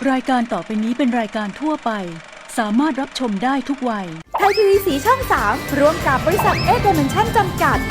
รายการต่อไปนี้เป็นรายการทั่วไปสามารถรับชมได้ทุกวัยไทยทีวีสีช่อง 3ร่วมกับบริษัทเอเดเมนชั่นจำกัด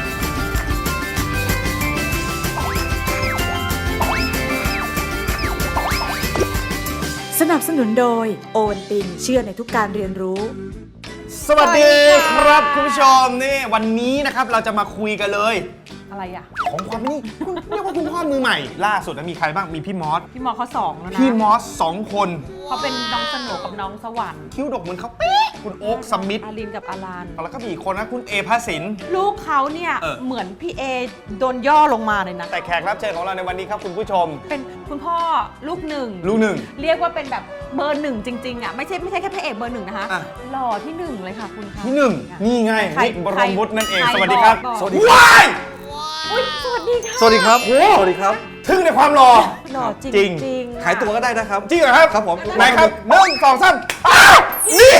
สนับสนุนโดยโอวันตินเชื่อในทุกการเรียนรู้สวัสดีครับคุณผู้ชมนี่วันนี้นะครับเราจะมาคุยกันเลยอะไรอ่ะของความนี่คุณเรียกว่าคุณพ่อมือใหม่ล่าสุดมีใครบ้างมีพี่มอสเขา2แล้วนะพี่มอส2 คนเขาเป็นน้องสโหนกับน้องสวรรค์คิ้วดกเหมือนเขาเป๊ะคุณโอ๊คสมิธอารินกับอารันแล้วก็มีอีกคนนะคุณเอภสินลูกเขาเนี่ยเหมือนพี่เอโดนย่อลงมาเลยนะแต่แขกรับเชิญของเราในวันนี้ครับคุณผู้ชมเป็นคุณพ่อลูกหนึ่งเรียกว่าเป็นแบบเบอร์ 1จริงๆอ่ะไม่ใช่แค่พระเอกเบอร์ 1นะคะหล่อที่1เลยค่ะคุณคะที่1นี่ไงนิกบรมวุฒินั่นเองสวัสดีครับสวัสดีครับสวัสดีค่ะสวัสดีครับสวัสดีครับทึ่งในความหล่อจริงขายตัวก็ได้นะครับจริงเหรอครับครับผมไหนครับ1 2 3นี่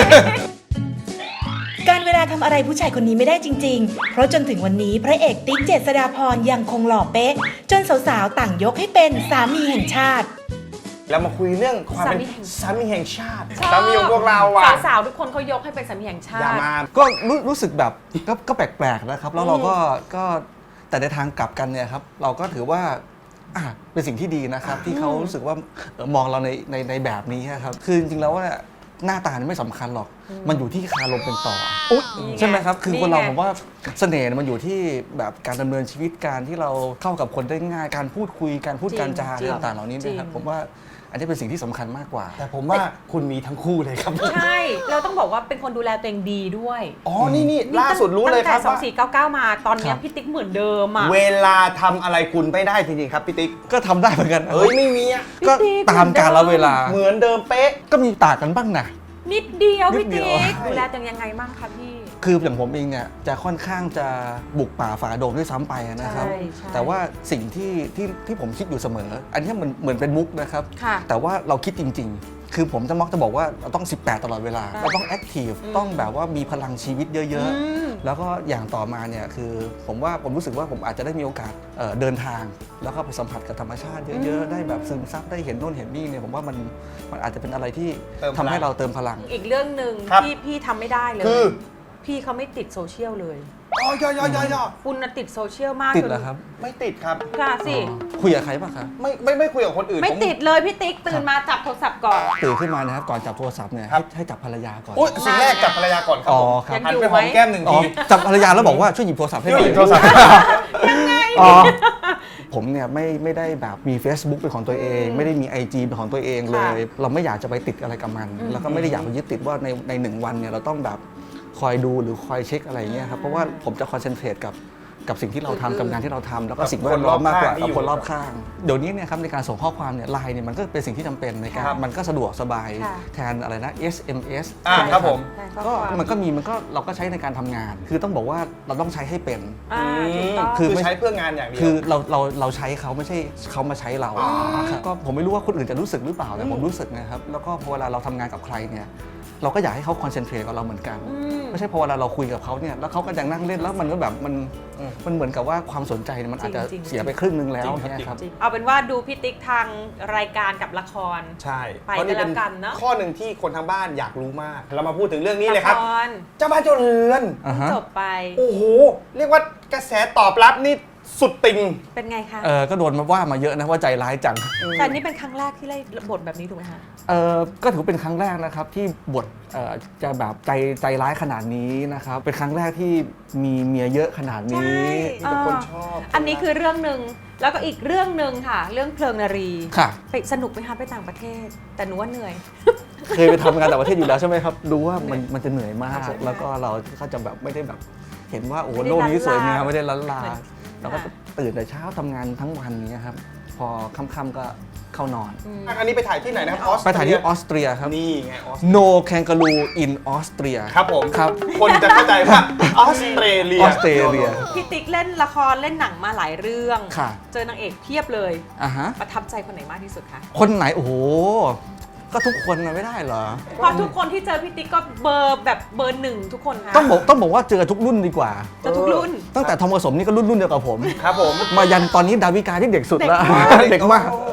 การเวลาทำอะไรผู้ชายคนนี้ไม่ได้จริงๆเพราะจนถึงวันนี้พระเอกติ๊กเจษฎาพรยังคงหล่อเป๊ะจนสาวๆต่างยกให้เป็นสามีแห่งชาติแล้วมาคุยเรื่องความเป็นสามีแห่งชาติสามีของพวกเราอ่ะสาวๆทุกคนเขายกให้เป็นสามีแห่งชาติก็รู้สึกแบบก็แปลกๆนะครับแล้วเราก็แต่ในทางกลับกันเนี่ยครับเราก็ถือว่าเป็นสิ่งที่ดีนะครับที่เขารู้สึกว่ามองเราในแบบนี้ครับคือจริงๆแล้วว่าหน้าตาไม่สำคัญหรอกมันอยู่ที่คารมเป็นต่อใช่ไหมครับคือคนเราผมว่าเสน่ห์มันอยู่ที่แบบการดำเนินชีวิตการที่เราเข้ากับคนได้ง่ายการพูดคุยการพูดการจาต่างๆเหล่านี้นะครับผมว่าอันนี้เป็นสิ่งที่สำคัญมากกว่าแต่ผมว่าคุณมีทั้งคู่เลยครับใช่เราต้องบอกว่าเป็นคนดูแลตัวเองดีด้วยนี่ล่าสุดรู้เลยครับตั้งแต่2499มาตอนนี้พี่ติ๊กเหมือนเดิมอ่ะเวลาทำอะไรคุณไม่ได้จริงๆครับพี่ติ๊กก็ทำได้เหมือนกันไม่มีก็ตามกาลเวลาเหมือนเดิมเป๊ะก็มีต่างกันบ้างนะนิดเดียวพี่ติ๊กดูแลตัวเองยังไงบ้างคะพี่คืออย่างผมเองเนี่ยจะค่อนข้างจะบุกป่าฝ่าดงด้วยซ้ำไปนะครับแต่ว่าสิ่งที่ผมคิดอยู่เสมออันนี้มันเหมือนเป็นมุกนะครับแต่ว่าเราคิดจริงๆคือผมจะมักจะบอกว่าเราต้อง18ตลอดเวลาเราต้องแอคทีฟต้องแบบว่ามีพลังชีวิตเยอะๆแล้วก็อย่างต่อมาเนี่ยคือผมรู้สึกว่าผมอาจจะได้มีโอกาสเดินทางแล้วก็ไปสัมผัสกับธรรมชาติเยอะๆได้แบบซึมซับได้เห็นโน่นเห็นนี่เนี่ยผมว่ามันอาจจะเป็นอะไรที่ทำให้เราเติมพลังอีกเรื่องหนึ่งที่พี่ทำไม่ได้เลยพี่เขาไม่ติดโซเชียลเลยคุณติดโซเชียลมากติดเหรอครับไม่ติดครับค่ะสิคุยกับใครป่ะครับไม่คุยกับคนอื่นไม่ติดเลยพี่ติ๊กตื่นมาจับโทรศัพท์ก่อนตื่นขึ้นมานะครับก่อนจับโทรศัพท์เนี่ยให้จับภรรยาก่อนสิ่งแรกจับภรรยาก่อนครับหันไปหอมแก้ม1 ทีจับภรรยาแล้วบอกว่าช่วยหยิบโทรศัพท์ให้หน่อยยังไงผมเนี่ยไม่ได้แบบมี Facebook เป็นของตัวเองไม่ได้มี IG เป็นของตัวเองเลยเราไม่อยากจะไปติดอะไรกับมันแล้วก็ไม่ได้อยากไปยึดติดว่าใน1 วันเนี่ยเราต้องแบบคอยดูหรือคอยเช็คอะไรเงี้ยครับเพราะว่าผมจะคอนเซนเทรตกับสิ่งที่เราทำกับงานที่เราทำแล้วก็สิ่งแวดล้อมมากกว่ากับคนรอบข้างเดี๋ยวนี้เนี่ยครับในการส่งข้อความเนี่ยไลน์เนี่ยมันก็เป็นสิ่งที่จำเป็นในการมันก็สะดวกสบายแทนอะไรนะ SMS ครับผมก็เราก็ใช้ในการทำงานคือต้องบอกว่าเราต้องใช้ให้เป็นคือใช้เพื่องานอย่างเดียวคือเราใช้เขาไม่ใช่เขามาใช้เราก็ผมไม่รู้ว่าคนอื่นจะรู้สึกหรือเปล่าแต่ผมรู้สึกนะครับแล้วก็พอเวลาเราทำงานกับใครเนี่ยเราก็อยากให้เขาคอนเซนเทรตกับเราเหมือนกันไม่ใช่พอเวลาเราคุยกับเขาเนี่ยแล้วเขาก็ยังนั่งเล่นแล้วมันก็แบบมันเหมือนกับว่าความสนใจมันอาจจะเสียไปครึ่งนึงแล้วเนี่ยครับเอาเป็นว่าดูพี่ติ๊กทางรายการกับละครใช่ไปกันแล้วกันเนาะข้อหนึ่งที่คนทางบ้านอยากรู้มากเรามาพูดถึงเรื่องนี้เลยครับเจ้าบ้านเจ้าเรือนจบไปโอ้โหเรียกว่ากระแสตอบรับนี่สุดติงเป็นไงคะก็โดนมาว่ามาเยอะนะว่าใจร้ายจังแต่นี่เป็นครั้งแรกที่เล่นบทแบบนี้ถูกไหมคะก็ถือเป็นครั้งแรกนะครับที่บทจะแบบใจร้ายขนาดนี้นะครับเป็นครั้งแรกที่มีเมียเยอะขนาดนี้แต่คนชอบอันนี้คือเรื่องหนึ่งแล้วก็อีกเรื่องหนึ่งค่ะเรื่องเพลิงนารีค่ะไปสนุกไหมคะไปต่างประเทศแต่หนูว่าเหนื่อยเคยไปทำงานต่างประเทศอยู่แล้วใช่ไหมครับรู้ว่ามันจะเหนื่อยมากแล้วก็เราก็จะแบบไม่ได้แบบเห็นว่าโอ้โลกนี้สวยงามไม่ได้ล้านลาเราก็ตื่นแต่เช้าทำงานทั้งวันนี้ครับพอค่ำๆก็เข้านอนอันนี้ไปถ่ายที่ไหนนะครับไปถ่ายที่ออสเตรียครับนี่ไง No Kangaroo in Austria ครับผมครับคนจะเข้าใจว่าออสเตรเลียพี่ติ๊กเล่นละครเล่นหนังมาหลายเรื่องเจอนางเอกเพียบเลยประทับใจคนไหนมากที่สุดคะคนไหนโอ้โหก็ทุกคนไม่ได้เหรอพอทุกคนที่เจอพี่ติ๊กก็เบอร์แบบเบอร์ 1ทุกคนค่ะต้องบอกว่าเจอทุกรุ่นดีกว่าทุกรุ่นตั้งแต่ทอมผสมนี่ก็รุ่นเดียวกับผมครับผมมายันตอนนี้ดาวิกาที่เด็กสุดแล้วเด็กมากใช่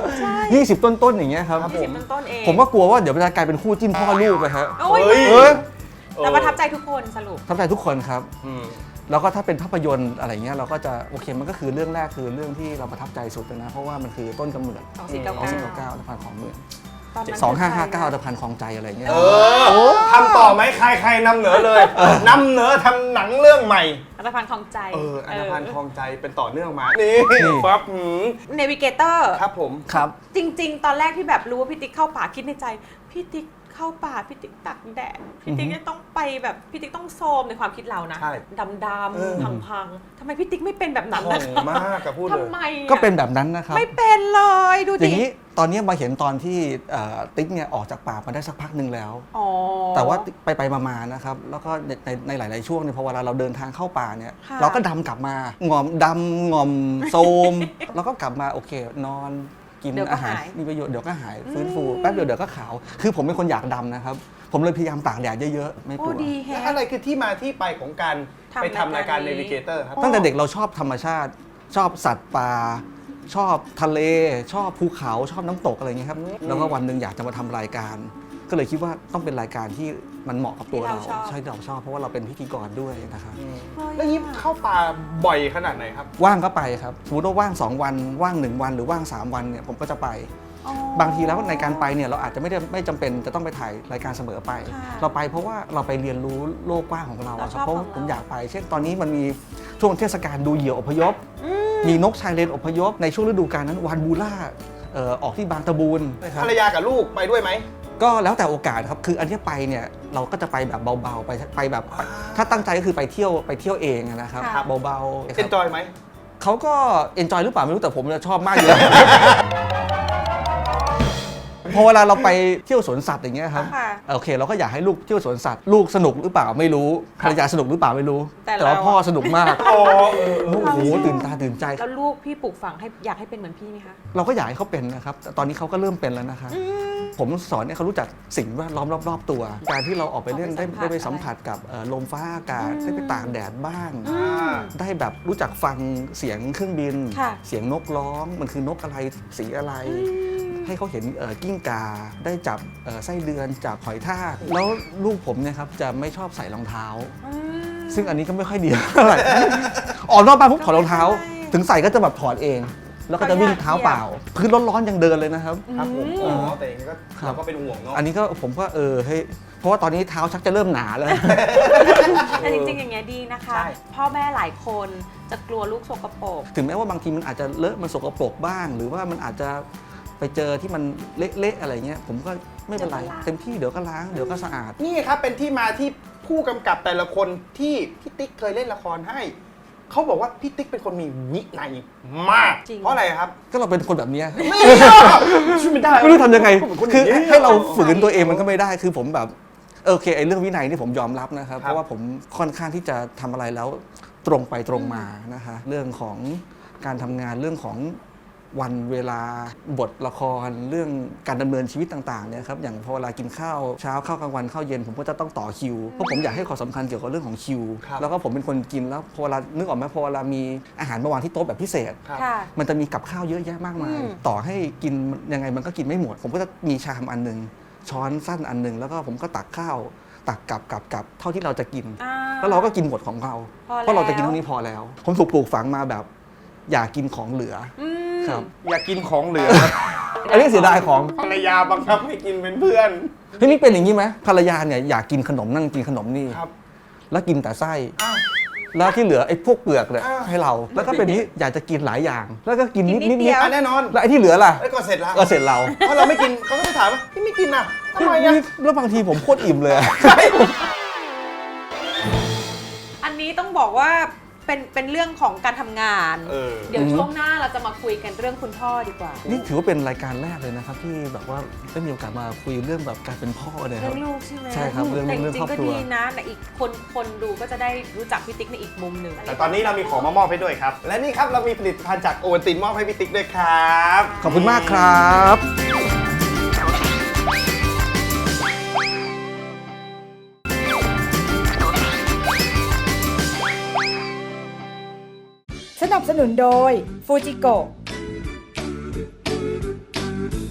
20 ต้นๆอย่างเงี้ยครับ 20 ต้นเองผมก็กลัวว่าเดี๋ยวมันจะกลายเป็นคู่จิ้นพ่อลูกไปฮะโอ้ย แต่ประทับใจทุกคนสรุปประทับใจทุกคนครับแล้วก็ถ้าเป็นภาพยนตร์อะไรเงี้ยเราก็จะโอเคมันก็คือเรื่องแรกคือเรื่องที่เราประทับใจสุดเลยนะเพราะว่ามันคือต้นกำเนิด 2499ตะพานของเมือง2559ตะพานของใจอะไรเงี้ยทำต่อไหมใครนำเหนือเลยนำเหนือทำหนังเรื่องใหม่อัตภัณฑ์ของใจอัตภัณฑ์คลองใจเป็นต่อเนื่องมานี่ปั๊บเนวิเกเตอร์ครับผมครับจริง ๆ ตอนแรกที่แบบรู้ว่าพี่ติ๊กเข้าป่าคิดในใจพี่ติ๊กเข้าป่าพี่ติ๊กตักแดดพี่ติ๊กจะต้องไปแบบพี่ติ๊กต้องโซมในความคิดเรานะดำพังๆทำไมพี่ติ๊กไม่เป็นแบบนั้นนะมากกับพูดเลยทำไมก็เป็นแบบนั้นนะครับไม่เป็นเลยดูอดิย่างนี้ตอนนี้มาเห็นตอนที่ติ๊กเนี่ยออกจากป่ามาได้สักพักหนึ่งแล้วแต่ว่าไปมาๆนะครับแล้วก็ในหลายๆช่วงเนี่ยพอเวลาเราเดินทางเข้าป่าเนี่ยเราก็ดำกลับมาหงอมดำหงอมโซมแล้วก็กลับมาโอเคนอนกินอาหารมีประโยชน์เดี๋ยวก็หายฟื้นฟูแป๊บเดียวก็ขาวคือผมเป็นคนอยากดำนะครับผมเลยพยายามตากแดดเยอะๆไม่กลัวแล้วอะไรคือที่มาที่ไปของการไปทำรายการ Navigator ครับตั้งแต่เด็กเราชอบธรรมชาติชอบสัตว์ป่าชอบทะเลชอบภูเขาชอบน้ำตกอะไรอย่างเงี้ยครับแล้วก็วันหนึ่งอยากจะมาทำรายการก็เลยคิดว่าต้องเป็นรายการที่มันเหมาะกับตัวเราใช่เราชอบเพราะว่าเราเป็นพิธีกรด้วยนะครับแล้วยิ้มเข้าป่าบ่อยขนาดไหนครับว่างก็ไปครับสมมติว่าว่าง2วันว่าง1วันหรือว่าง3วันเนี่ยผมก็จะไปบางทีแล้วในการไปเนี่ยเราอาจจะไม่จำเป็นจะต้องไปถ่ายรายการเสมอไปเราไปเพราะว่าเราไปเรียนรู้โลกกว้างของเราครับเพราะผมอยากไปเช่นตอนนี้มันมีช่วงเทศกาลดูเหยี่ยวอพยพมีนกชายเลนอพยพในช่วงฤดูกาลนั้นวานบูล่าออกที่บางตะบูนภรรยากับลูกไปด้วยไหมก็แล้วแต่โอกาสครับคืออันที่ไปเนี่ยเราก็จะไปแบบเบาๆไปแบบถ้าตั้งใจก็คือไปเที่ยวเองนะครับเบาๆเอนจอยไหมเขาก็เอนจอยหรือเปล่าไม่รู้แต่ผมชอบมากอยู่แล้ว พอเวลาเราไปเที่ยวสวนสัตว์อย่างเงี้ยครับโอเคเราก็อยากให้ลูกเที่ยวสวนสัตว์ลูกสนุกหรือเปล่าไม่รู้ภรรยาสนุกหรือเปล่าไม่รู้แต่ว่าพ่อสนุกมากโอ้โหตื่นตาตื่นใจแล้วลูกพี่ปลูกฝังให้อยากให้เป็นเหมือนพี่ไหมคะเราก็อยากให้เขาเป็นนะครับแต่ตอนนี้เขาก็เริ่มเป็นแล้วนะคะผมสอนให้เขารู้จักสิ่งแวดล้อมรอบๆตัวการที่เราออกไปเล่นได้ไปสัมผัสกับลมฟ้าอากาศได้ไปตากแดดบ้างได้แบบรู้จักฟังเสียงเครื่องบินเสียงนกร้องมันคือนกอะไรสีอะไรให้เขาเห็นกิ้งก่าได้จับไส้เดือนจับหอยทากแล้วลูกผมเนี่ยครับจะไม่ชอบใส่รองเท้าซึ่งอันนี้ก็ไม่ค่อยดีเท่าไหร่ออกนอกบ้านปุ๊บถอดรองเท้าถึงใส่ก็จะแบบถอดเองแล้วก็จะวิ่งเท้าเปล่าพื้นร้อนๆยังเดินเลยนะครับครับผมแต่เองก็เราก็เป็นห่วงเนาะอันนี้ก็ผมก็เฮ้ยเพราะว่าตอนนี้เท้าชักจะเริ่มหนาแล้วแต่จริงๆอย่างเงี้ยดีนะคะพ่อแม่หลายคนจะกลัวลูกสกปรกถึงแม้ว่าบางทีมันอาจจะเลอะมันสกปรกบ้างหรือว่ามันอาจจะไปเจอที่มันเละๆอะไรเงี้ยผมก็ไม่เป็นไรเต็มที่เดี๋ยวก็ล้างเดี๋ยวก็สะอาดนี่ครับเป็นที่มาที่ผู้กำกับแต่ละคนที่พี่ติ๊กเคยเล่นละครให้เขาบอกว่าพี่ติ๊กเป็นคนมีวินัยมากเพราะอะไรครับก็เราเป็นคนแบบนี้ไม่ได้ไม่รู้ทำยังไงคือให้เราฝืนตัวเองมันก็ไม่ได้คือผมแบบโอเคไอ้เรื่องวินัยนี่ผมยอมรับนะครับเพราะว่าผมค่อนข้างที่จะทำอะไรแล้วตรงไปตรงมานะคะเรื่องของการทำงานเรื่องของวันเวลาบทละครเรื่องการดำเนินชีวิตต่างๆเนี่ยครับอย่างพอเวลากินข้าวเช้าข้าวกลางวันข้าวเย็นผมก็จะต้องต่อคิวเพราะผมอยากให้ความสำคัญเกี่ยวกับเรื่องของคิวแล้วก็ผมเป็นคนกินแล้วพอเวลานึกออกไหมพอเวลามีอาหารมาวางที่โต๊ะแบบพิเศษมันจะมีกับข้าวเยอะแยะมากมายต่อให้กินยังไงมันก็กินไม่หมดผมก็จะมีชามอันนึงช้อนสั้นอันนึงแล้วก็ผมก็ตักข้าวตักกับเท่าที่เราจะกินแล้วเราก็กินหมดของเราเพราะเราจะกินเท่านี้พอแล้วผมถูกปลูกฝังมาแบบอยากกินของเหลือครับอยากกินของเหลืออันนี้เสียดายของภรรยาบังคับให้กินเป็นเพื่อนเฮ้ยนี่เป็นอย่างนี้ไหมภรรยาเนี่ยอยากกินขนมนั่งกินขนมนี่แล้วกินแต่ไส้แล้วที่เหลือไอ้พวกเปลือกเนี่ยให้เราแล้วก็เป็นนี้อยากจะกินหลายอย่างแล้วก็กินนิดแน่นอนแล้วไอ้ที่เหลือล่ะก็เสร็จแล้วก็เสร็จเราเพราะเราไม่กินเขาก็จะถามว่าพี่ไม่กินอ่ะทำไมอ่ะแล้วบางทีผมโคตรอิ่มเลยอันนี้ต้องบอกว่าเป็นเรื่องของการทำงานเดี๋ยวช่วงหน้าเราจะมาคุยกันเรื่องคุณพ่อดีกว่านี่ถือว่าเป็นรายการแรกเลยนะครับที่แบบว่าได้มีโอกาสมาคุยเรื่องแบบการเป็นพ่อเลยครับเรื่องลูกใช่ไหมใช่ครับเรื่องครอบครัวก็ดีนะแต่อีกคนดูก็จะได้รู้จักพี่ติ๊กในอีกมุมหนึ่งแต่ตอนนี้เรามีของมามอบให้ด้วยครับและนี่ครับเรามีผลิตภัณฑ์จากโอวัลตินมอบให้พี่ติ๊กด้วยครับขอบคุณมากครับสนับสนุนโดยฟูจิโกะ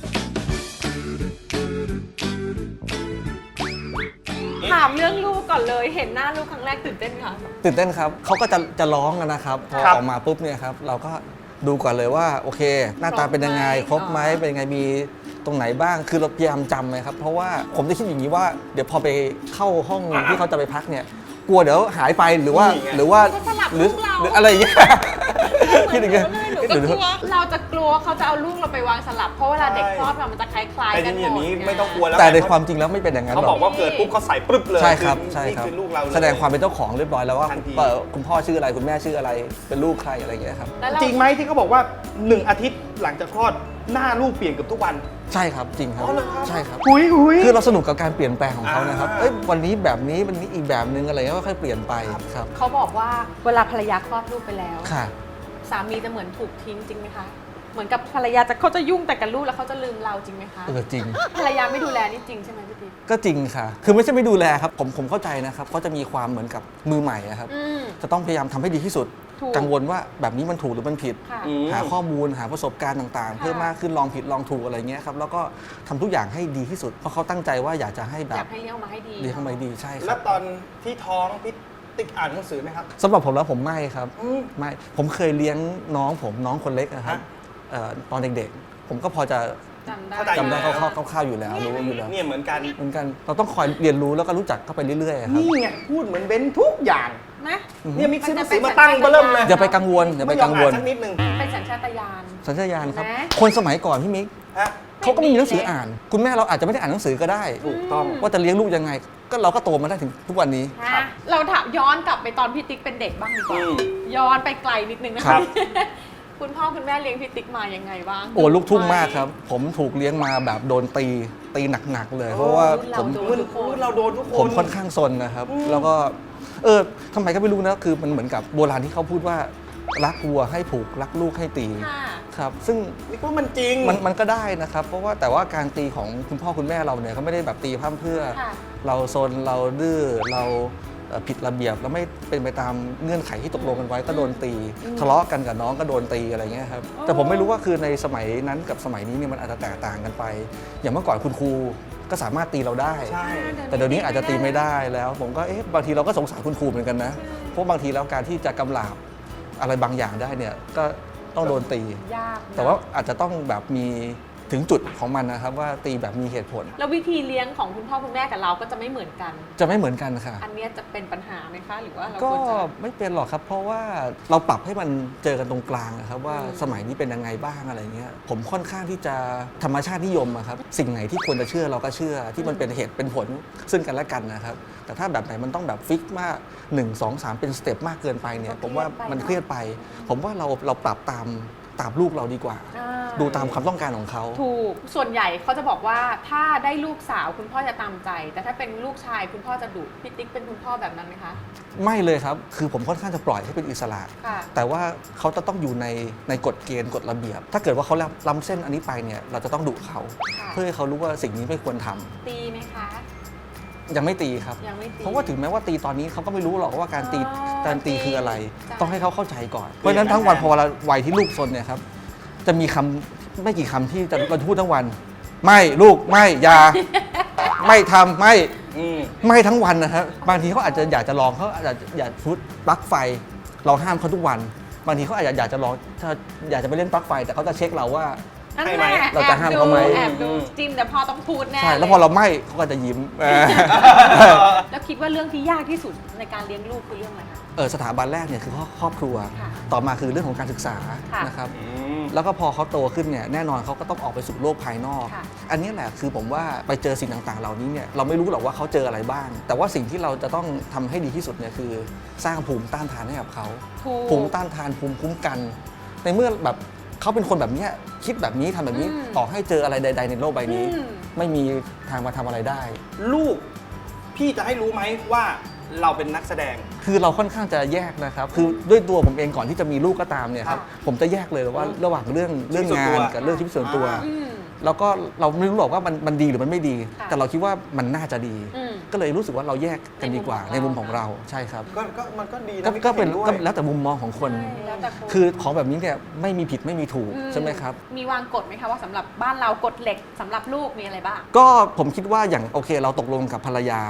ามเรื่องลูกก่อนเลยเห็นหน้าลูกครั้งแรกตื่นเต้นค่ะตื่นเต้นครับเขาก็จะร้องกันนะครับพอครับออกมาปุ๊บเนี่ยครับเราก็ดูก่อนเลยว่าโอเค หน้าตาเป็นยังไงครบไหมเป็นยังไงมีตรงไหนบ้างคือเราพยายามจำเลยครับเพราะว่าผมจะคิดอย่างนี้ว่าเดี๋ยวพอไปเข้าห้องที่เขาจะไปพักเนี่ยกลัวเดี๋ยวหายไปหรือว่านี่ไงหรือว่าเขาสลับหรือลูกเราหรืออะไรอย่างเงี้ยคิดอย่างเงี้ยหนูก็กลัวเราจะกลัวว่าเขาจะเอาลูกเราไปวางสลับเพราะเวลาเด็กคลอดมามันจะคล้ายๆแต่กันหมอย่างดนี้ไม่ต้องกลัวแล้วแต่ในความจริงแล้วไม่เป็นอย่างนั้นเขาหรบอกว่าเกิดปุ๊บเขาใส่ปึ๊บเลยใช่ครับอใช่ครับนี่คือลูกเราเลยแสดงความเป็นเจ้าของเรียบร้อยแล้วว่าทันทีคุณพ่อชื่ออะไรคุณแม่ชื่ออะไรเป็นลูกใครอะไรอย่างเงี้ยครับแล้วเราจริงไหมที่เขาบอกว่า 1 อาทิตย์หลังจากคลอดหน้าลูกเปลี่ยนเกือบทุกวันใช่ครับจริงครับอ๋อเหรอครับใช่ครับหุยหุยคือเราสนุกกับการเปลี่ยนแปลงของเขานะครับอ่าเอ้ยวันนี้แบบนี้วันนี้อีกแบบนึงอะไรเงี้ยค่อยๆเปลี่ยนไปครับเขาบอกว่าเวลาภรรยาคลอดลูกไปแล้วค่ะสามีจะเหมือนถูกทิ้งจริงไหมคะเหมือนกับภรรยาเขาจะยุ่งแต่กับลูกแล้วเขาจะลืมเราจริงไหมคะจริงภรรยาไม่ดูแลนี่จริงใช่ไหมพี่ติ๊กก็จริงค่ะ คือไม่ใช่ไม่ดูแลครับผมเข้าใจนะครับเขาจะมีความเหมือนกับมือใหม่อะครับอืมจะต้องพยายามทำให้ดีที่สุดถูกกังวลว่าแบบนี้มันถูกหรือมันผิดค่ะอืมหาข้อมูลหาประสบการณ์ต่างๆค่ะเพิ่มมากขึ้นลองผิดลองถูกอะไรเงี้ยครับแล้วก็ทำทุกอย่างให้ดีที่สุดเพราะเขาตั้งใจว่าอยากจะให้แบอยาบกให้เลี้ยงออกมาให้ดีดีเข้ามาดีใช่คแล้รัวบตอนที่ท้องพี่ติ๊กอ่านหนังสือไหมครับสำหรับผมแล้วผมไม่ครับอืมไม่ผมเคยเลี้ยงน้องผมน้องคนเล็กนะครับฮะตอนเด็กๆ ผมก็พอจะจำได้เข้าใจจำได้อยู่แล้วคร่าวๆอยู่แล้วรู้อยู่แล้วเนี่ยเหมือนกันเหมือนกันเราต้องคอยเรียนรู้แล้วก็รู้จักเข้าไปเรื่อยๆครับนี่ไงพูดเหมือนเบนทุกอย่างนะเนี่ยมิกซ์ซื้อหนังสือมาตั้งเบอร์เริ่มเลยอย่าไปกังวลอย่าไปกังวลม่ยอมอ่านสักนิดนึงเป็นสัญชาตญาณสัญชาตญาณครับเห็นไหมคนสมัยก่อนพี่มิกฮะเขาก็ไม่มีหนังสืออ่าน คุณแม่เราอาจจะไม่ได้อ่านหนังสือก็ได้ถูกต้องว่าจะเลี้ยงลูกยังไง ก็เราก็โตมาได้ถึงทุกวันนี้นะเราถามย้อนกลับไปตอนพี่ติ๊กเป็นเด็กบ้างดีกว่าอืมย้อนไปไกลนิดนึงนะครัคะบคุณพ่อคุณแม่เลี้ยงพี่ติ๊กมายังไงบ้างโอ้ลูกทุ่งมากครับ ผมถูกเลี้ยงมาแบบโดนตีหนักๆเลย เพราะว่าผมรุ่นเราโดนทุกคนผมค่อนข้างซนนะครับ แล้วก็ทำไมก็ไม่รู้นะคือมันเหมือนกับโบราณที่เขาพูดว่ารักวัวให้ผูกรักลูกให้ตีค่ะครับซึ่งนี่ว่ามันจริงมันก็ได้นะครับ เพราะว่าแต่ว่าการตีของคุณพ่อคุณแม่เราเนี่ยเขาไม่ได้แบบตีพร่ำเพรื่อค่ะเราซนเราดื้อเราผิดระเบียบแล้วไม่เป็นไปตามเงื่อนไขที่ตกลงกันไว้ก็โดนตี ทะเลาะกันกับน้องก็โดนตีอะไรเงี้ยครับแต่ผมไม่รู้ว่าคือในสมัยนั้นกับสมัยนี้เนี่ยมันอาจจะแตกต่างกันไป อย่างเมื่อก่อนคุณครูก็สามารถตีเราได้ใช่แต่เดี๋ยวนี้อาจจะตีไม่ได้แล้ว ผมก็บางทีเราก็สงสารคุณครูเหมือนกันนะเพราะบางทีแล้วการที่จะกำราบอะไรบางอย่างได้เนี่ยก็ต้องโดนตียากนะแต่ว่าอาจจะต้องแบบมีถึงจุดของมันนะครับว่าตีแบบมีเหตุผลแล้ววิธีเลี้ยงของคุณพ่อคุณแม่กับเราก็จะไม่เหมือนกันจะไม่เหมือนกันค่ะอันเนี้ยจะเป็นปัญหาไหมคะ หรือว่าเราก็ควรจะไม่เป็นหรอกครับ เพราะว่าเราปรับให้มันเจอกันตรงกลางนะครับว่าอืมสมัยนี้เป็นยังไงบ้างอะไรเงี้ยผมค่อนข้างที่จะธรรมชาตินิยมอะครับสิ่งไหนที่ควรจะเชื่อเราก็เชื่อที่มันเป็นเหตุเป็นผลซึ่งกันและกันนะครับแต่ถ้าแบบไหนมันต้องแบบฟิกมาก1 2 3 เป็นสเต็ปมากเกินไปเนี่ยผมว่ามันเครียดไป ผมว่าเราปรับตามลูกเราดีกว่าอ่าดูตามความต้องการของเขาถูก ส่วนใหญ่เขาจะบอกว่าถ้าได้ลูกสาวคุณพ่อจะตามใจ แต่ถ้าเป็นลูกชายคุณพ่อจะดุพี่ติ๊กเป็นคุณพ่อแบบนั้นไหมคะไม่เลยครับ คือผมค่อนข้างจะปล่อยให้เป็นอิสระค่ะแต่ว่าเขาจะต้องอยู่ในกฎเกณฑ์กฎระเบียบ ถ้าเกิดว่าเขาล้ำเส้นอันนี้ไปเนี่ยเราจะต้องดุเขาค่ะเพื่อให้เขารู้ว่าสิ่งนี้ไม่ควรทำตีไหมคะยังไม่ตีครับยังไม่ตีเพราะว่าถึงแม้ว่าตีตอนนี้เขาก็ไม่รู้หรอกว่าการตีอ๋อการตีคืออะไรใช่ต้องให้เขาเข้าใจก่อน เพราะฉะนั้นทั้งวันพอเวลาวัยที่ลูกซนเนี่ยครับจะมีคำไม่กี่คำที่จะเราพูดทั้งวัน ไม่ลูกไม่อย่า ไม่ทำไม่อืมไม่ทั้งวันนะครับบางทีเขาอาจจะอยากจะลองเขาอาจจะอยากฟุตปลั๊กไฟ เราห้ามเขาทุกวัน บางทีเขาอาจจะอยากจะลองถ้าอยากจะไปเล่นปลั๊กไฟ แต่เขาจะเช็คเราว่านั่นให้แหไหมละเราจะห้ามเขาไหมแอบดูจิ้มแต่พอต้องพูดแน่ใช่แล้วยพอเราไม่เขาก็จะยิ้มแล้วคิดว่าเรื่องที่ยากที่สุดในการเลี้ยงลูกคือเรื่องอะไรคะสถาบันแรกเนี่ยคือครอบครัวค่ะต่อมาคือเรื่องของการศึกษาค่ะนะครับอืมแล้วก็พอเขาโตขึ้นเนี่ยแน่นอนเขาก็ต้องออกไปสู่โลกภายนอกค่ะอันนี้แหละคือผมว่าไปเจอสิ่งต่างๆ เหล่านี้เนี่ยเราไม่รู้หรอกว่าเขาเจออะไรบ้าง แต่ว่าสิ่งที่เราจะต้องทำให้ดีที่สุดเนี่ยคือสร้างภูมิต้านทานให้กับเขาถูกภูมิต้านทานภูมิคุ้มกัน ในเมื่อแบบเขาเป็นคนแบบเนี้ยคิดแบบนี้ทำแบบนี้อืมต่อให้เจออะไรใด ๆ ในโลกใบนี้อืมไม่มีทางมาทำอะไรได้ลูก พี่จะให้รู้ไหมว่าเราเป็นนักแสดงคือเราค่อนข้างจะแยกนะครับ คือด้วยตัวผมเองก่อนที่จะมีลูกก็ตามเนี่ยครับค่ะผมจะแยกเลยว่าระหว่างเรื่องชีวิตส่วนงาตันวกับเรื่องชีวิตส่วนตัวอ่าอืมแล้วก็เราไม่รู้หรอกว่ามันดีหรือมันไม่ดีค่ะแต่เราคิดว่ามันน่าจะดีอืมก็เลยรู้สึกว่าเราแยกกันดีกว่าในในมุมุมมขขออง งเราเราใช่ครับก็มันก็ดีนะก็เป็นพี่ก็ห็ด้วยแล้วแต่มุมมองของคนใช่แล้วแต่คนคือของแบบนี้เนี่ยไม่มีผิดไม่มีถูกอืมใช่ไหมครับมีวางกฎไหมคะว่าสำหรับบ้านเรากฎเหล็กสำหรับลูกมีอะไรบ้างก็ผมคิดว่าอย่างโอเคเราตกลงกับภรรยา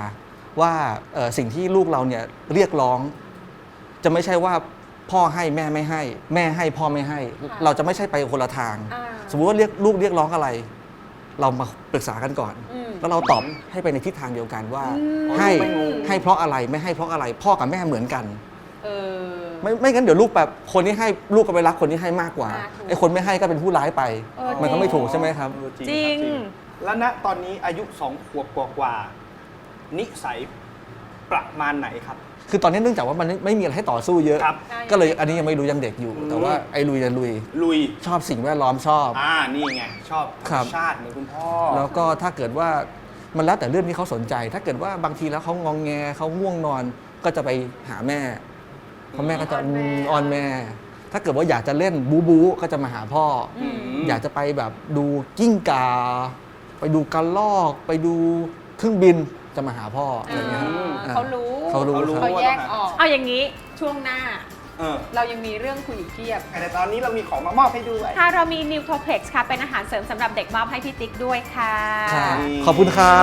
ว่าสิ่งที่ลูกเราเนี่ยเรียกร้องจะไม่ใช่ว่าพ่อให้แม่ไม่ให้แม่ให้พ่อไม่ให้ เราจะไม่ใช่ไปคนละทาง สมมุติว่าลูกเรียกร้องอะไร เรามาปรึกษากันก่อน แล้วเราตอบให้ไปในทิศทางเดียวกันว่าให้เพราะอะไรไม่ให้เพราะอะไร พ่อกับแม่เหมือนกันไม่งั้นเดี๋ยวลูกแบบคนที่ให้ลูกก็ไปรักคนที่ให้มากกว่าไอ้คนไม่ให้ก็เป็นผู้ร้ายไปมันก็ไม่ถูกใช่ไหมครับจริงแล้วณตอนนี้อายุ2 ขวบกว่านิสัยประมาณไหนครับคือตอนนี้เนื่องจากว่ามันไม่มีอะไรให้ต่อสู้เยอะก็เลยอันนี้ยังไม่รู้ยังเด็กอยู่แต่ว่าไอ้ลุยชอบสิ่งแวดล้อมชอบนี่ไงชอบธรรมชาติเหมือนคุณพ่อแล้วก็ถ้าเกิดว่ามันแล้วแต่เรื่องที่เขาสนใจถ้าเกิดว่าบางทีแล้วเขางองแงเขาง่วงนอนก็จะไปหาแม่เพราะแม่ก็จะอ้อนแม่ถ้าเกิดว่าอยากจะเล่นบู๊ก็จะมาหาพ่ออยากจะไปแบบดูกิ้งก่าไปดูกระรอกไปดูเครื่องบินจะมาหาพ่ออะไรเงี้ยเขารู้เขาแยกออกเอาอย่างนี้ช่วงหน้าเรายังมีเรื่องคุยอีกเพียบแต่ตอนนี้เรามีของมามอบให้ด้วยค่ะเรามี Nutriplex ค่ะเป็นอาหารเสริมสำหรับเด็กมอบให้พี่ติ๊กด้วยค่ะขอบคุณค่ะ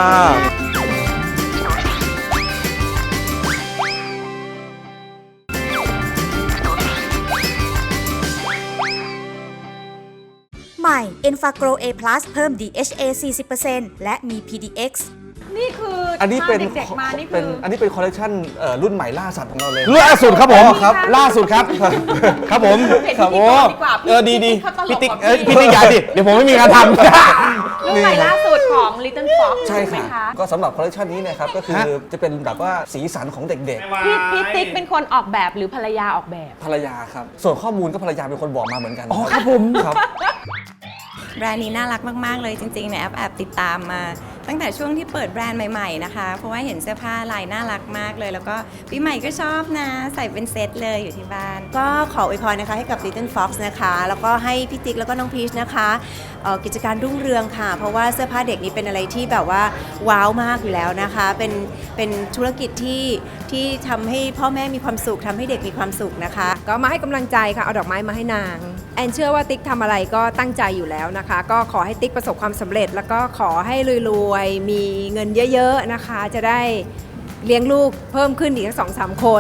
ใหม่ Enfagro A+ เพิ่ม DHA 40% และมี PDX นี่คืออันนี้เป็นเด็กๆมานี่คืออันนี้เป็นคอลเลคชันรุ่นใหม่ล่าสัตว์ของเราเลยล่าสุดครับผมล่าสุดครับครับผมครับโอ้ดีพี่ติ๊กอย่าดิเดี๋ยวผมไม่มีงานทำรุ่นใหม่ล่าสุดของ Little Fox ใช่ค่ะก็สำหรับคอลเลคชันนี้นะครับก็คือจะเป็นแบบว่าสีสันของเด็กๆพี่ติ๊กเป็นคนออกแบบหรือภรรยาออกแบบภรรยาครับส่วนข้อมูลก็ภรรยาเป็นคนบอกมาเหมือนกันอ๋อครับผมครับแบรนด์นี้น่ารักมากๆเลยจริงๆในแอปติดตามมาตั้งแต่ช่วงที่เปิดแบรนด์ใหม่ๆนะคะเพราะว่าเห็นเสื้อผ้าลายน่ารักมากเลยแล้วก็ปีใหม่ก็ชอบนะใส่เป็นเซตเลยอยู่ที่บ้านก็ขออวยพรนะคะให้กับ Little Fox นะคะแล้วก็ให้พี่ติ๊กแล้วก็น้องพีชนะคะกิจการรุ่งเรืองค่ะเพราะว่าเสื้อผ้าเด็กนี้เป็นอะไรที่แบบว่าว้าวมากอยู่แล้วนะคะเป็นธุรกิจที่ทำให้พ่อแม่มีความสุขทำให้เด็กมีความสุขนะคะก็มาให้กำลังใจค่ะเอาดอกไม้มาให้นางแอนเชื่อว่าติ๊กทำอะไรก็ตั้งใจอยู่แล้วนะคะก็ขอให้ติ๊กประสบความสำเร็จแล้วก็ขอให้รวยๆมีเงินเยอะๆนะคะจะได้เลี้ยงลูกเพิ่มขึ้นอีก 2-3 คน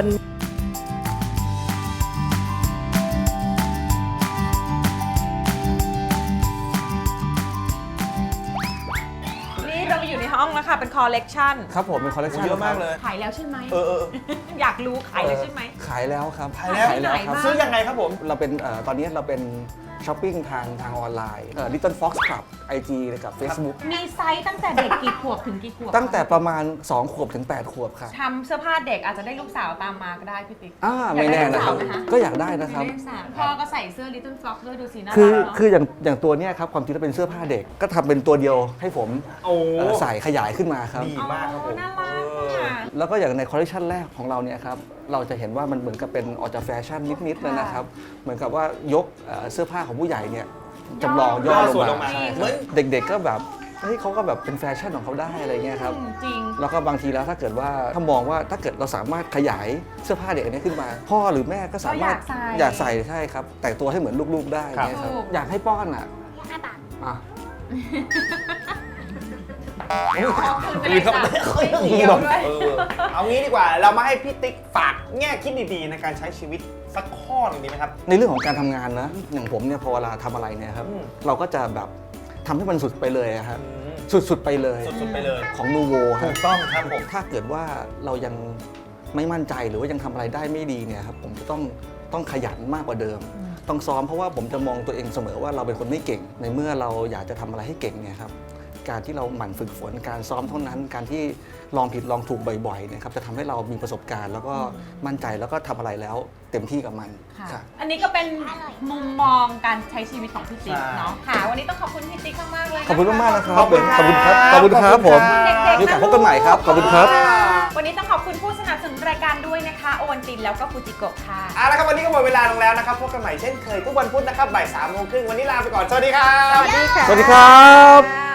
อยู่ในห้องแล้วค่ะเป็นคอลเลกชันครับผมเป็นคอลเลกชันเยอะมากเลยขายแล้วใช่ไหมอยากรู้ขายแล้วใช่ไหมขายแล้วครับขายแล้วครับซื้อยังไงครับผมเราเป็นตอนนี้เราเป็นช้อปปิ้งทางออนไลน์ Little Fox Club IG กับ Facebook มีไซส์ตั้งแต่เด็กกี่ขวบถึงกี่ขวบตั้งแต่ประมาณ2 ขวบถึง 8 ขวบครับทำเสื้อผ้าเด็กอาจจะได้ลูกสาวตามมาก็ได้พี่ติ๊กไม่แน่นะครับก็อยากได้นะครับพ่อก็ใส่เสื้อ Little Fox ด้วยดูสิน่ารักคืออย่างตัวเนี้ยครับความจริงแล้วเป็นเสื้อผ้าเด็กก็ทำเป็นตัวเดียวให้ผมใส่ขยายขึ้นมาครับดีมากครับผมน่ารักแล้วก็อย่างในคอลเลคชันแรกของเราเนี่ยครับเราจะเห็นว่ามันเหมือนกับเป็นออกจากแฟชั่นนิดๆเลยนะครับเหมือนกับว่ายกเสื้อผ้าของผู้ใหญ่เนี่ยจำลองย่อลงมาเด็กๆก็แบบเขาก็แบบเป็นแฟชั่นของเขาได้อะไรเงี้ยครับจริงแล้วก็บางทีแล้วถ้าเกิดว่าถ้ามองว่าถ้าเกิดเราสามารถขยายเสื้อผ้าเด็กอันนี้ขึ้นมาพ่อหรือแม่ก็สามารถอยากใส่ใช่ครับแต่งตัวให้เหมือนลูกๆได้เนี่ยครับอยากให้ป้อน 5 บาทเอางี้ดีกว่าเรามาให้พี่ติ๊กฝากแง่คิดดีๆในการใช้ชีวิตสักข้อหนึ่งดีไหมครับในเรื่องของการทำงานนะอย่างผมเนี่ยพอเวลาทำอะไรเนี่ยครับเราก็จะแบบทำให้มันสุดไปเลยครับสุดไปเลยของนูโวถูกต้องครับผมถ้าเกิดว่าเรายังไม่มั่นใจหรือว่ายังทำอะไรได้ไม่ดีเนี่ยครับผมจะต้องขยันมากกว่าเดิมต้องซ้อมเพราะว่าผมจะมองตัวเองเสมอว่าเราเป็นคนไม่เก่งในเมื่อเราอยากจะทำอะไรให้เก่งเนี่ยครับการที่เราหมั่นฝึกฝนการซ้อมเท่านั้นการที่ลองผิดลองถูกบ่อยๆนะครับจะทำให้เรามีประสบการณ์แล้วก็มั่นใจแล้วก็ทำอะไรแล้วเต็มที่กับมันค่ะอันนี้ก็เป็นมุมมองการใช้ชีวิตของพี่ติ๊กเนาะค่ะวันนี้ต้องขอบคุณพี่ติ๊กมากๆเลยขอบคุณมากๆนะครับขอบคุณครับผมมีโอกาสพบกันใหม่ครับขอบคุณครับวันนี้ต้องขอบคุณผู้สนับสนุนรายการด้วยนะคะโอวัลตินแล้วก็ฟูจิโกะค่ะแล้วครับวันนี้ก็หมดเวลาลงแล้วนะครับพบกันใหม่เช่นเคยทุกวันพุธนะครับบ่าย 3:30 วันนี้ลาไปก่อนสวัสดีครับสวัสดีครับ